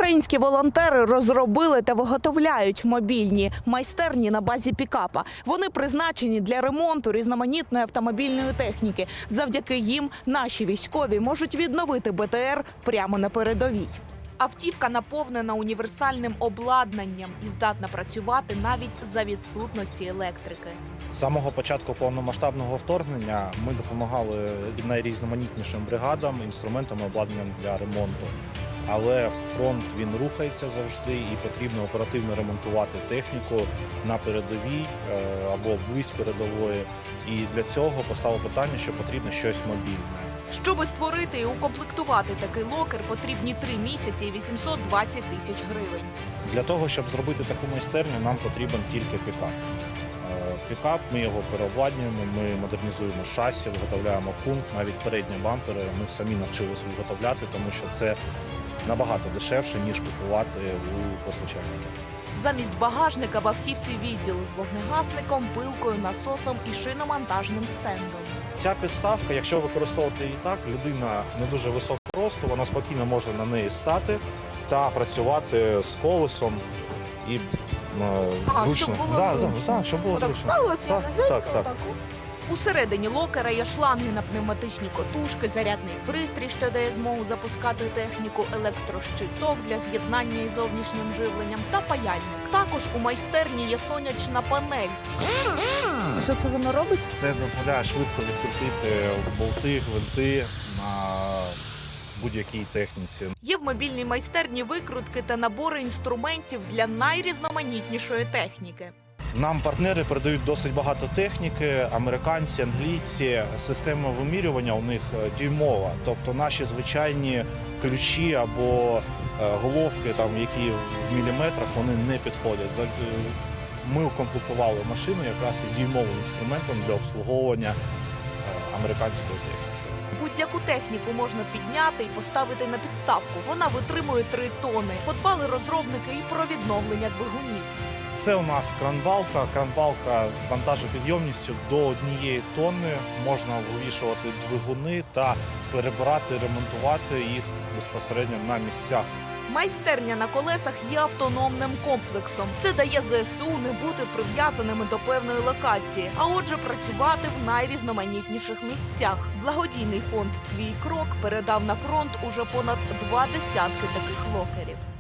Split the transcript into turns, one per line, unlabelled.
Українські волонтери розробили та виготовляють мобільні майстерні на базі пікапа. Вони призначені для ремонту різноманітної автомобільної техніки. Завдяки їм наші військові можуть відновити БТР прямо на передовій. Автівка наповнена універсальним обладнанням і здатна працювати навіть за відсутності електрики.
З самого початку повномасштабного вторгнення ми допомагали найрізноманітнішим бригадам, інструментам і обладнанням для ремонту. Але фронт він рухається завжди і потрібно оперативно ремонтувати техніку на передовій або близь передової. І для цього постало питання, що потрібно щось мобільне.
Щоби створити і укомплектувати такий локер, потрібні 3 місяці і 820 тисяч гривень.
Для того, щоб зробити таку майстерню, нам потрібен тільки пікап. Пікап, ми його переобладнюємо, ми модернізуємо шасі, виготовляємо кунг, навіть передні бампери ми самі навчилися виготовляти, тому що це набагато дешевше, ніж купувати у постачальників.
Замість багажника в автівці відділ з вогнегасником, пилкою, насосом і шиномонтажним стендом.
Ця підставка, якщо використовувати її так, людина не дуже високого росту, вона спокійно може на неї стати та працювати з колесом і зручно.
Щоб було зручно.
Щоб було
Отак
зручно.
стало оце низенько,
так.
Усередині локера є шланги на пневматичні котушки, зарядний пристрій, що дає змогу запускати техніку, електрощиток для з'єднання із зовнішнім живленням та паяльник. Також у майстерні є сонячна панель. Що це воно робить?
Це дозволяє швидко відкрутити болти, гвинти на будь-якій техніці.
Є в мобільній майстерні викрутки та набори інструментів для найрізноманітнішої техніки.
Нам партнери передають досить багато техніки, американці, англійці. Система вимірювання у них дюймова, тобто наші звичайні ключі або головки, які в міліметрах, вони не підходять. Ми укомплектували машину якраз і дюймовим інструментом для обслуговування американської техніки.
Будь-яку техніку можна підняти і поставити на підставку. Вона витримує 3 тони. Подбали розробники і про відновлення двигунів.
Це у нас кранбалка. Кранбалка вантажопідйомністю до 1 тонни. Можна вивішувати двигуни та перебирати, ремонтувати їх безпосередньо на місцях.
Майстерня на колесах є автономним комплексом. Це дає ЗСУ не бути прив'язаними до певної локації, а отже працювати в найрізноманітніших місцях. Благодійний фонд «Твій крок» передав на фронт уже понад 2 десятки таких локерів.